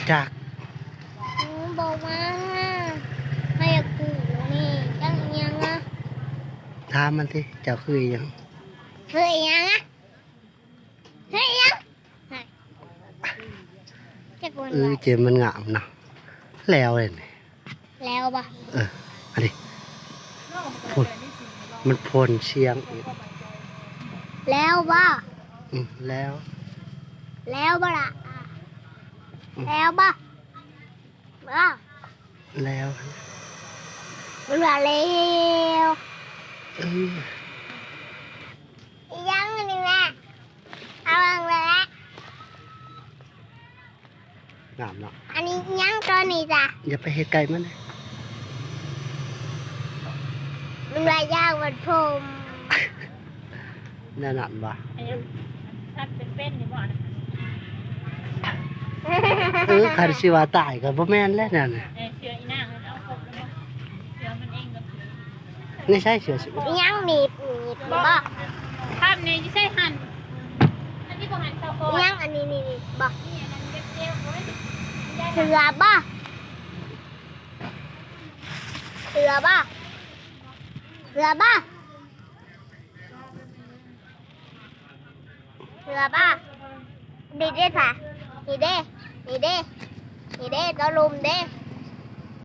จากบอกมาให้กูนี่จังยังอ่ะถามมันสิเจ้าคืออิหยังเฮ้ยยังอ่ะเฮ้ยยังจะกวนเจมมันงามเนาะแล้วเลยนี่แล้วปะอันนี้พ่นมันพ่นเชียงอีกแล้วปะแล้วแล้วปะล่ะแล้วปะบ้าแล้วมันว่าแล้วยังอันนี้แม่เอาอันละงามเนาะอันนี้ยังตัวนี้จ้ะอย่าไปเฮ็ดไก่มันเลยมันว่ายางมันพรมแน่นอนว่ะชัดเป็นนี่บ่นะคันสิว่าตายก็บ่แม่นแล้วนั่นน่ะเชืออีนางมันเอาครบแล้วเชือมันเองก็ไม่ใช่เสือสิยังหนีบบ่ภาพนี้ที่ใช่หันอันนี้บ่หันเตาโคยังอันนี้นี่บ่นี่อันนั้นเจ็บๆโอ้ยเสือบ่เสือบ่เสือบ่เสือบ่ดีเด้ค่ะดีเด้ดีเด้ดีเด้ตะลุมเด้